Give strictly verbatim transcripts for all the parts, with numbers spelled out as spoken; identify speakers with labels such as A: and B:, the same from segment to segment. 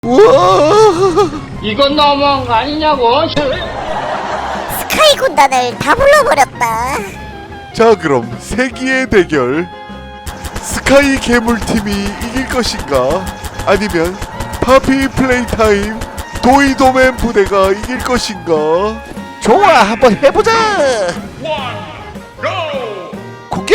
A: 우와,
B: 이건 너무한 거 아니냐고.
C: 스카이 군단을 다 불러버렸다.
A: 자 그럼 세기의 대결, 스카이 괴물팀이 이길 것인가 아니면 파피 플레이타임 도이도맨 부대가 이길 것인가.
D: 좋아, 한번 해보자. 공격!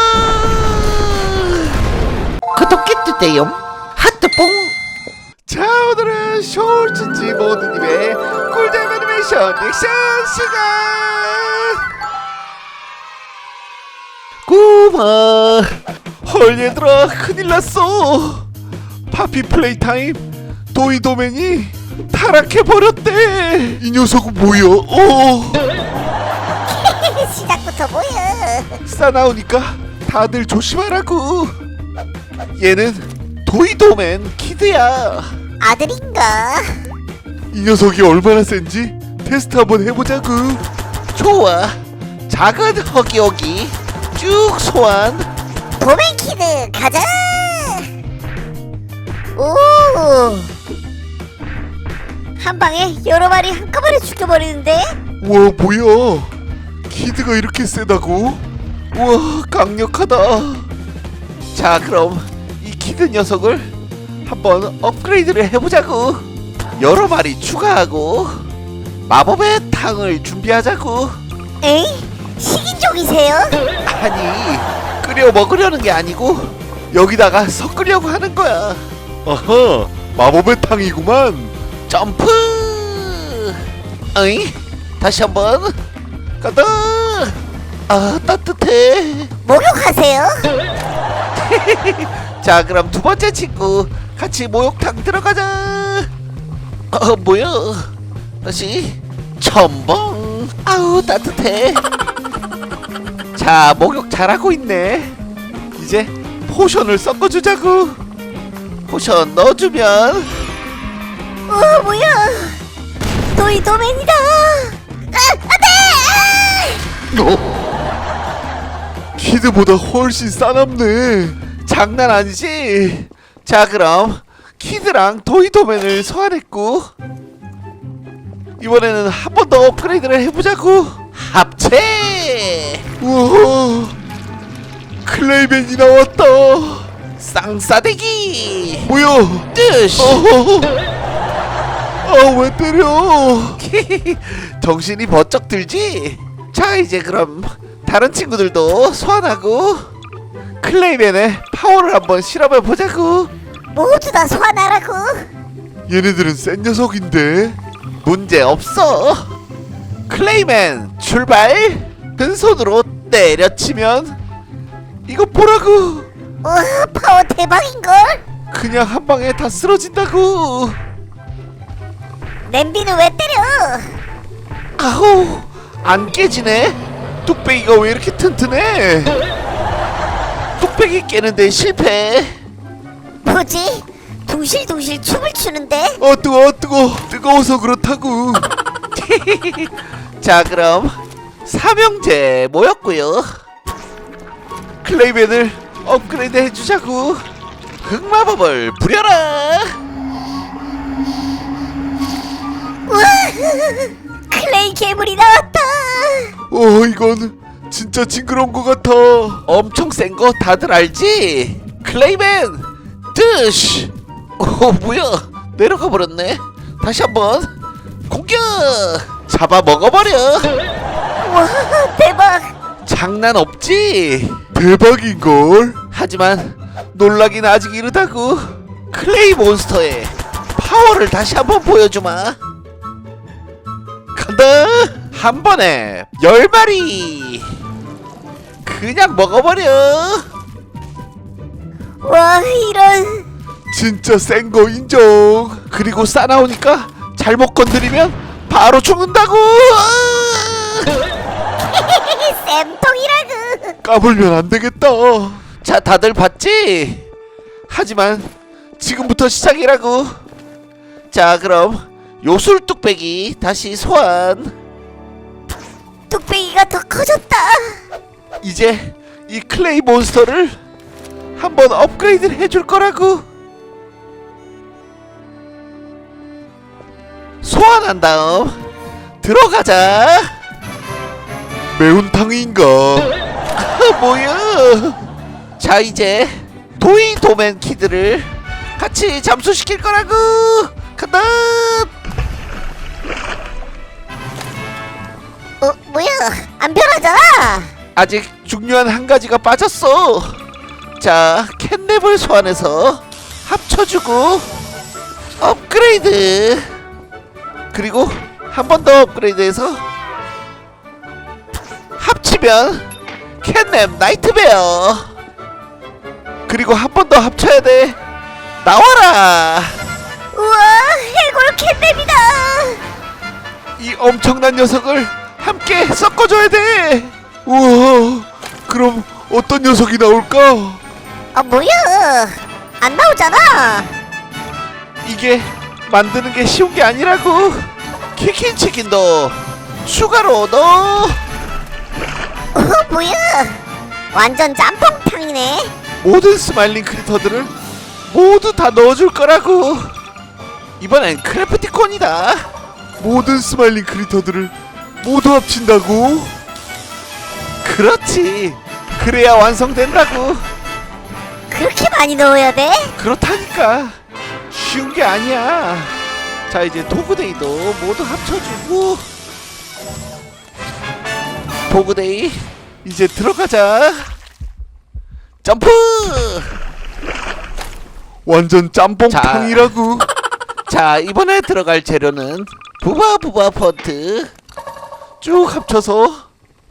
D: 구독기 뜨대요. 하트뽕.
A: 자 오늘은 쇼츠지 모드님의 꿀잼 애니메이션 리액션 시간.
D: 고마.
A: 헐 얘들아 큰일났어. 파피 플레이타임 도이도맨이 타락해버렸대. 이 녀석은 뭐야. 어
C: 시작부터 뭐야?
A: 싸나우니까 다들 조심하라고. 얘는 도이도맨 키드야.
C: 아들인가?
A: 이 녀석이 얼마나 센지 테스트 한번 해보자구.
D: 좋아. 작은 허기허기 쭉 소환.
C: 도맨키드 가자. 오, 한 방에 여러 마리 한꺼번에 죽여버리는데?
A: 우와 뭐야, 키드가 이렇게 세다고? 우와 강력하다.
D: 자, 그럼 이 키드 녀석을 한번 업그레이드를 해보자고. 여러 마리 추가하고 마법의 탕을 준비하자고.
C: 에이, 식인종이세요?
D: 아니, 끓여 먹으려는 게 아니고 여기다가 섞으려고 하는 거야.
A: 아하, 마법의 탕이구만.
D: 점프. 어이, 다시 한번 간다. 아, 따뜻해.
C: 목욕하세요?
D: 자, 그럼 두 번째 친구 같이 목욕탕 들어가자. 어, 뭐야? 다시 첨벙. 아우, 따뜻해. 자, 목욕 잘하고 있네. 이제 포션을 섞어주자고. 포션 넣어주면.
C: 어, 뭐야? 도이도맨이다. 아, 안돼!
A: 키드보다 훨씬 싸납네.
D: 장난 아니지? 자, 그럼 키드랑 도이도맨을 소환했고 이번에는 한 번 더 업그레이드를 해보자고. 합체.
A: 우와, 클레이맨이 나왔다.
D: 쌍싸대기.
A: 뭐야?
D: 뜨시.
A: 아 왜 때려?
D: 정신이 번쩍 들지? 자, 이제 그럼 다른 친구들도 소환하고 클레이맨의 파워를 한번 실험해 보자고.
C: 모두 다 소환하라고.
A: 얘네들은 센 녀석인데.
D: 문제 없어. 클레이맨 출발. 왼손으로 때려치면 이거 보라고.
C: 와, 파워 대박인걸?
A: 그냥 한 방에 다 쓰러진다고.
C: 냄비는 왜 때려?
D: 아우, 안 깨지네. 뚝배기가 왜 이렇게 튼튼해? 뚝배기 깨는데 실패.
C: 뭐지? 둥실둥실 춤을 추는데?
A: 어 뜨거 뜨거 뜨거워서 그렇다고.
D: 자, 그럼 삼형제 모였고요. 클레이맨을 업그레이드 해주자고. 흑마법을 부려라.
C: 우와, 클레이 괴물이 나왔다.
A: 어 이건 진짜 징그러운 것 같아.
D: 엄청 센 거 다들 알지? 클레이맨 드쉬. 오, 뭐야, 내려가 버렸네. 다시 한번 공격. 잡아 먹어버려.
C: 우와, 대박.
D: 장난 없지?
A: 대박인걸.
D: 하지만 놀라긴 아직 이르다고. 클레이 몬스터의 파워를 다시 한번 보여주마. 간다. 한 번에 열 마리 그냥 먹어버려.
C: 와, 이런.
A: 진짜 센 거 인정.
D: 그리고 싸나우니까 잘못 건드리면 바로 죽는다고.
C: 쌤통이라고.
A: 까불면 안 되겠다.
D: 자, 다들 봤지? 하지만 지금부터 시작이라고. 자, 그럼 요술 뚝배기 다시 소환.
C: 뚝배기가 더 커졌다.
D: 이제 이 클레이 몬스터를 한번 업그레이드를 해줄 거라고. 소환한 다음 들어가자.
A: 매운탕인가?
D: 뭐야? 자, 이제 도이 도맨 키드를 같이 잠수시킬 거라고. 간다.
C: 어 뭐야 안 변하잖아.
D: 아직 중요한 한 가지가 빠졌어. 자, 캣냅을 소환해서 합쳐주고 업그레이드. 그리고 한 번 더 업그레이드해서 합치면 캣냅 나이트베어. 그리고 한 번 더 합쳐야 돼. 나와라.
C: 우와 해골 캣냅이다.
D: 이 엄청난 녀석을 함께 섞어줘야 돼.
A: 우와, 그럼 어떤 녀석이 나올까?
C: 아 뭐야 안 나오잖아.
D: 이게 만드는 게 쉬운 게 아니라고. 키킨 치킨도 추가로 넣어.
C: 어 뭐야 완전 짬뽕탕이네.
D: 모든 스마일링 크리터들을 모두 다 넣어줄 거라고. 이번엔 크래프티콘이다.
A: 모든 스마일링 크리터들을 모두 합친다고?
D: 그렇지. 그래야 완성된다고.
C: 그렇게 많이 넣어야 돼?
D: 그렇다니까. 쉬운 게 아니야. 자, 이제 도그데이도 모두 합쳐주고. 도그데이 이제 들어가자. 점프.
A: 완전 짬뽕탕이라고.
D: 자, 이번에 들어갈 재료는 부바부바 펀트 쭉 합쳐서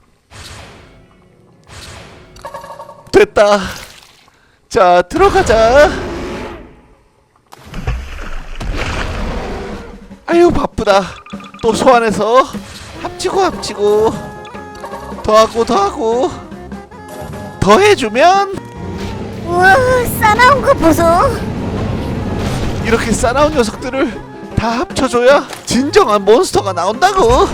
D: 됐다. 자, 들어가자. 아유 바쁘다. 또 소환해서 합치고 합치고 더하고 더하고 더해주면
C: 우와 싸나운 거 보소.
D: 이렇게 싸나운 녀석들을 다 합쳐줘야 진정한 몬스터가 나온다고.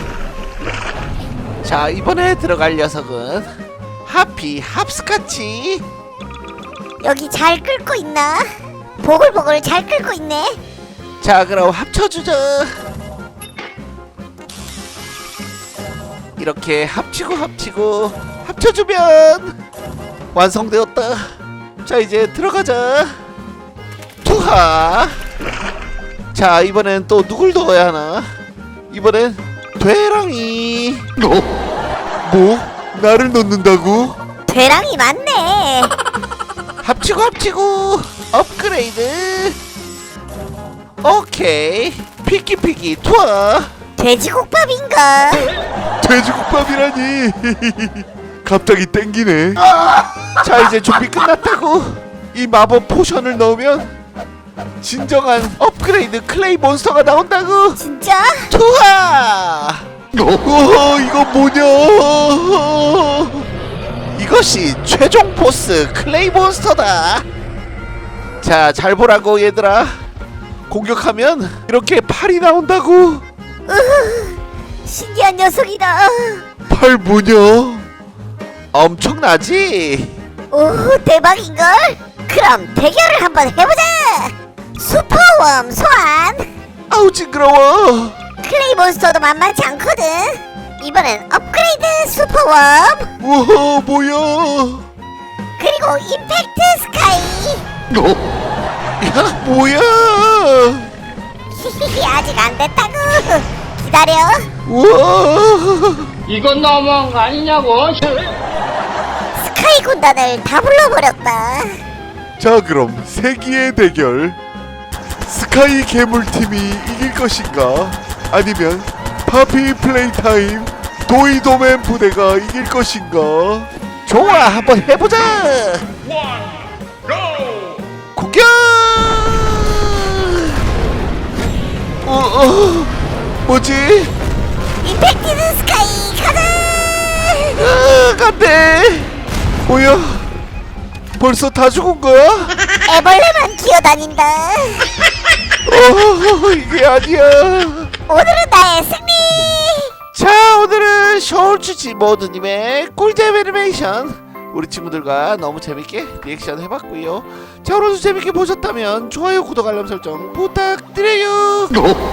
D: 자, 이번에 들어갈 녀석은 하피 합스카치.
C: 여기 잘 끓고 있나? 보글보글 잘 끓고 있네.
D: 자, 그럼 합쳐주자. 이렇게 합치고 합치고 합쳐주면 완성되었다. 자, 이제 들어가자. 투하. 자, 이번엔 또 누굴 넣어야 하나? 이번엔 되랑이.
A: 뭐? 나를 넣는다고?
C: 되랑이 많네.
D: 합치고 합치고 업그레이드. 오케이. 피키피키 투하.
C: 돼지국밥인가?
A: 돼지국밥이라니. 갑자기 땡기네.
D: 자, 이제 준비 끝났다고. 이 마법 포션을 넣으면 진정한 업그레이드 클레이 몬스터가 나온다고.
C: 진짜?
D: 투하.
A: 우와, 이거 뭐냐?
D: 이것이 최종 보스 클레이 몬스터다. 자, 잘 보라고 얘들아. 공격하면 이렇게 팔이 나온다고.
C: 신기한 녀석이다.
A: 팔 뭐냐?
D: 엄청나지?
C: 오 대박인걸? 그럼 대결을 한번 해보자. 슈퍼웜 소환.
D: 아우 징그러워.
C: 클레이 몬스터도 만만치 않거든. 이번엔 업그레이드 슈퍼웜.
A: 우와, 뭐야?
C: 그리고 임팩트 스카이.
D: 야, 뭐야?
C: 히히히 아직 안 됐다고. 기다려.
D: 우와.
B: 이건 너무한 거 아니냐고.
C: 스카이 군단을 다 불러버렸다.
A: 자, 그럼 세기의 대결. 스카이 괴물팀이 이길 것인가? 아니면 파피 플레이타임 도이도맨 부대가 이길 것인가?
D: 좋아, 한번 해보자. 공격.
A: 어, 어, 뭐지?
C: 임팩트 스카이 가자.
D: 아, 간대.
A: 뭐야? 벌써 다 죽은 거야?
C: 애벌레만 기어다닌다.
A: 어, 이게 아니야.
C: 오늘은 나의 승리.
D: 자, 오늘은 쇼울추치 모드님의 꿀잼 애니메이션 우리 친구들과 너무 재밌게 리액션 해봤고요. 자, 오늘도 재밌게 보셨다면 좋아요, 구독, 알람 설정 부탁드려요.